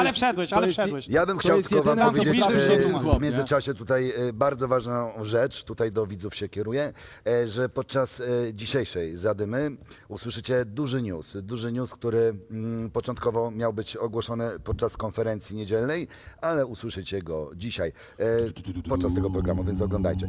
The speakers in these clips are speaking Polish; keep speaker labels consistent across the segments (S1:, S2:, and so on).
S1: Ale wszedłeś, ale wszedłeś.
S2: Ja bym
S3: To
S2: chciał
S3: jest
S2: tylko wam
S3: jedyna
S2: powiedzieć
S3: zabliżona chłop,
S2: w międzyczasie tutaj bardzo ważną rzecz, tutaj do widzów się kieruję, że podczas dzisiejszej zadymy usłyszycie duży news, który początkowo miał być ogłoszony podczas konferencji niedzielnej, ale usłyszycie go dzisiaj podczas tego programu, więc oglądajcie.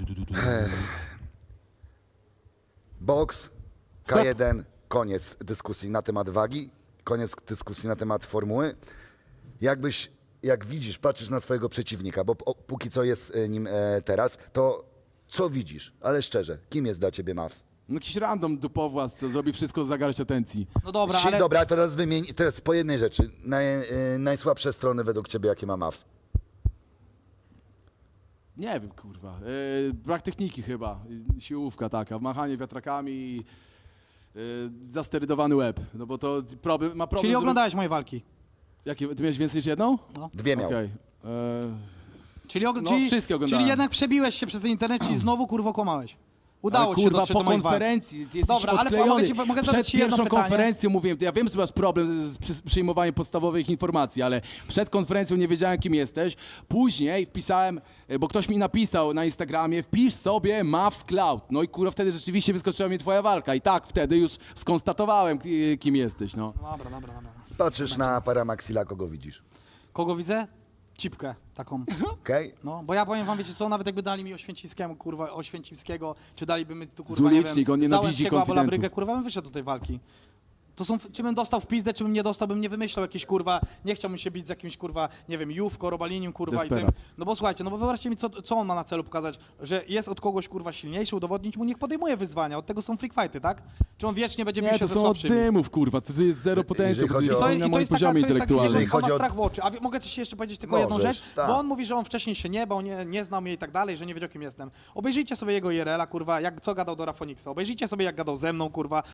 S2: Boks, K1, koniec dyskusji na temat wagi, koniec dyskusji na temat formuły. Jak widzisz, patrzysz na swojego przeciwnika, bo póki co jest nim teraz, to co widzisz? Ale szczerze, kim jest dla ciebie Mavs?
S3: No jakiś random dupowłas, co zrobi wszystko za garść atencji.
S1: No dobra, ale...
S2: Dobra, teraz wymień, teraz po jednej rzeczy. Najsłabsze strony według ciebie, jakie ma Mavs?
S3: Nie wiem, kurwa. Brak techniki chyba. Siłówka taka, machanie wiatrakami i zasterydowany łeb. No bo to ma problem.
S1: Czyli oglądałeś moje walki.
S3: Jakie, ty miałeś więcej niż jedną?
S1: No.
S2: Dwie miał.
S3: Okej.
S1: Czyli,
S3: wszystkie oglądałem.
S1: czyli jednak przebiłeś się przez internet i znowu kurwa kłamałeś. Udało
S3: Ale,
S1: ci się
S3: kurwa,
S1: dotrzeć
S3: po
S1: do moich walk.
S3: konferencji ty jesteś
S1: Dobra, ale
S3: odklejony.
S1: mogę zadać
S3: Przed
S1: ci jedno
S3: pierwszą
S1: pytanie?
S3: konferencją mówiłem, ja wiem, że masz problem z przyjmowaniem podstawowych informacji, ale przed konferencją nie wiedziałem, kim jesteś. Później wpisałem, bo ktoś mi napisał na Instagramie, wpisz sobie Mavs Cloud. No i kurwa, wtedy rzeczywiście wyskoczyła mi twoja walka. I tak, wtedy już skonstatowałem, kim jesteś, no.
S1: Dobra.
S2: Patrzysz na Paramaxila, kogo widzisz?
S1: Kogo widzę? Cipkę taką.
S2: Okej?
S1: No, bo ja powiem wam, wiecie co, nawet jakby dali mi Oświęcimskiemu, kurwa, Oświęcimskiego, czy daliby mi tu, kurwa, nie
S3: Zulicznik,
S1: wiem,
S3: on nienawidzi
S1: Załęckiego albo
S3: konfidentów.
S1: Labrygę, kurwa, bym wyszedł do tej walki. To są, czy bym dostał w pizdę, czy bym nie dostał, bym nie wymyślał jakiś, kurwa, nie chciałbym się bić z jakimś, kurwa, nie wiem, Jówko, Robalinim, kurwa, i tym.
S3: Desperat.
S1: No bo słuchajcie, no bo wyobraźcie mi, co on ma na celu pokazać, że jest od kogoś, kurwa, silniejszy, udowodnić mu, niech podejmuje wyzwania, od tego są freak fighty, tak? Czy on wiecznie będzie bił
S3: Nie,
S1: się
S3: to
S1: ze
S3: są od
S1: słabszymi?
S3: dymów, kurwa, to jest zero potencjału,
S2: Jeżeli
S3: to
S2: chodzi
S3: jest
S2: o-
S3: na moim poziomie
S1: to jest taki, że
S3: intelektualnym.
S2: Jeżeli
S1: on ma
S2: chodzi o-
S1: strach w oczy. A mogę coś jeszcze powiedzieć, tylko jedną
S2: Możesz,
S1: rzecz?
S2: tak.
S1: Bo on mówi, że on wcześniej się nie bał, nie znał mnie i tak dalej, że nie wiedział, kim jestem. Obejrzyjcie sobie jego IRL-a, kurwa, co gadał do Rafoniksa. Obejrzyjcie sobie, jak gadał ze mną, kurwa.